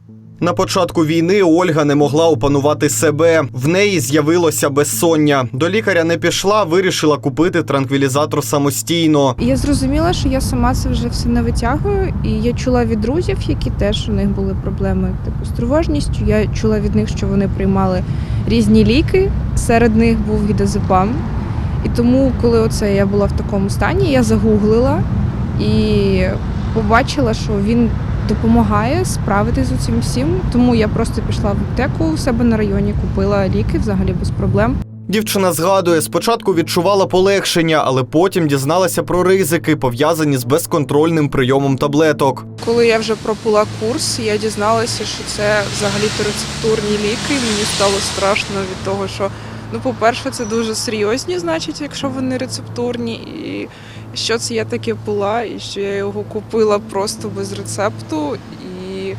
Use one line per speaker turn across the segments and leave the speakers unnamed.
На початку війни Ольга не могла опанувати себе. В неї з'явилося безсоння. До лікаря не пішла, вирішила купити транквілізатор самостійно.
Я зрозуміла, що я сама це вже все не витягую. І я чула від друзів, які теж у них були проблеми з тривожністю. Я чула від них, що вони приймали різні ліки. Серед них був гідазепам. І тому, коли я була в такому стані, я загуглила і побачила, що він допомагає справитись з цим всім. Тому я просто пішла в аптеку у себе на районі, купила ліки взагалі без проблем.
Дівчина згадує, спочатку відчувала полегшення, але потім дізналася про ризики, пов'язані з безконтрольним прийомом таблеток.
Коли я вже пропила курс, я дізналася, що це взагалі-то рецептурні ліки. Мені стало страшно від того, що, по-перше, це дуже серйозні, значить, якщо вони рецептурні. І що це я таке пила, і що я його купила просто без рецепту. І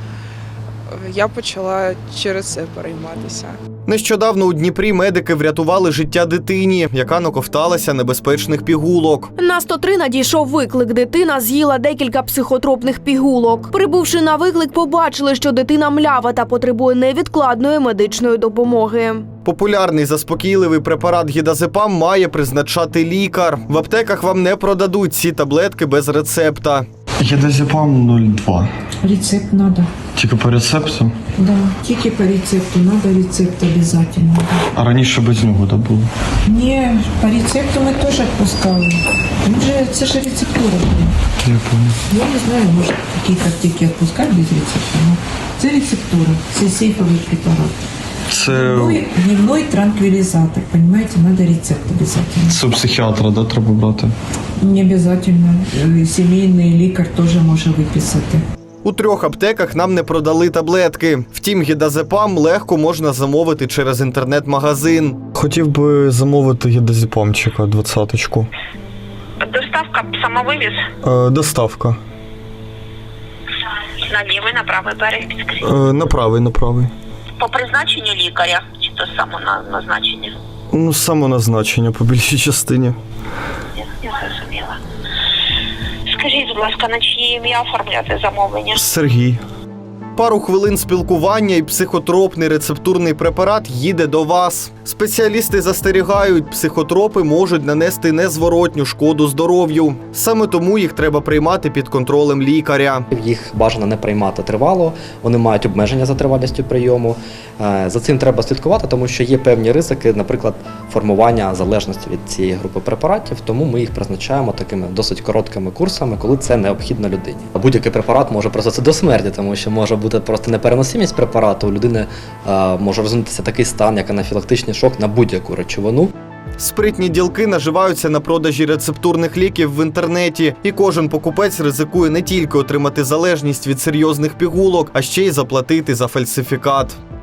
я почала через це перейматися.
Нещодавно у Дніпрі медики врятували життя дитині, яка наковталася небезпечних пігулок.
На 103 надійшов виклик. Дитина з'їла декілька психотропних пігулок. Прибувши на виклик, побачили, що дитина млява та потребує невідкладної медичної допомоги.
Популярний заспокійливий препарат гідазепам має призначати лікар. В аптеках вам не продадуть ці таблетки без рецепта.
Гідазепам 0,2.
Рецепт надо.
Тільки по рецепту?
Да, тільки по рецепту. Надо рецепт обязательно.
А раніше без нього було?
Ні, по рецепту ми теж відпускали. Це ж рецептура.
Я пам'ятаю.
Я не знаю, може, якісь аптеки відпускають без рецепту. Но це рецептура, це сейфовий препарат.
Це
Дневной транквилизатор, понимаете, надо рецепт обязательно.
у психіатра, да, треба брати?
Не обязательно. Сімейний лікар теж може виписати.
У 3 аптеках нам не продали таблетки. Втім, гідазепам легко можна замовити через інтернет-магазин.
Хотів би замовити гідазепамчика 20-ку.
Доставка, самовивіз?
Доставка.
На лівий, на правий берег підскажіть.
На правий.
По призначенню лікаря, чи то самоназначення?
Самоназначення по більшій частині.
Я зрозуміла. Скажіть, будь ласка, на чиє ім'я оформляти замовлення?
Сергій.
Пару хвилин спілкування і психотропний рецептурний препарат їде до вас. Спеціалісти застерігають, психотропи можуть нанести незворотню шкоду здоров'ю. Саме тому їх треба приймати під контролем лікаря.
Їх бажано не приймати тривало, вони мають обмеження за тривалістю прийому. За цим треба слідкувати, тому що є певні ризики, наприклад, формування залежності від цієї групи препаратів, тому ми їх призначаємо такими досить короткими курсами, коли це необхідно людині. Будь-який препарат може призвести до смерті, тому що може бути просто непереносимість препарату, у людини може розвинутися такий стан, як анафілактичний шок на будь-яку речовину.
Спритні ділки наживаються на продажі рецептурних ліків в інтернеті. І кожен покупець ризикує не тільки отримати залежність від серйозних пігулок, а ще й заплатити за фальсифікат.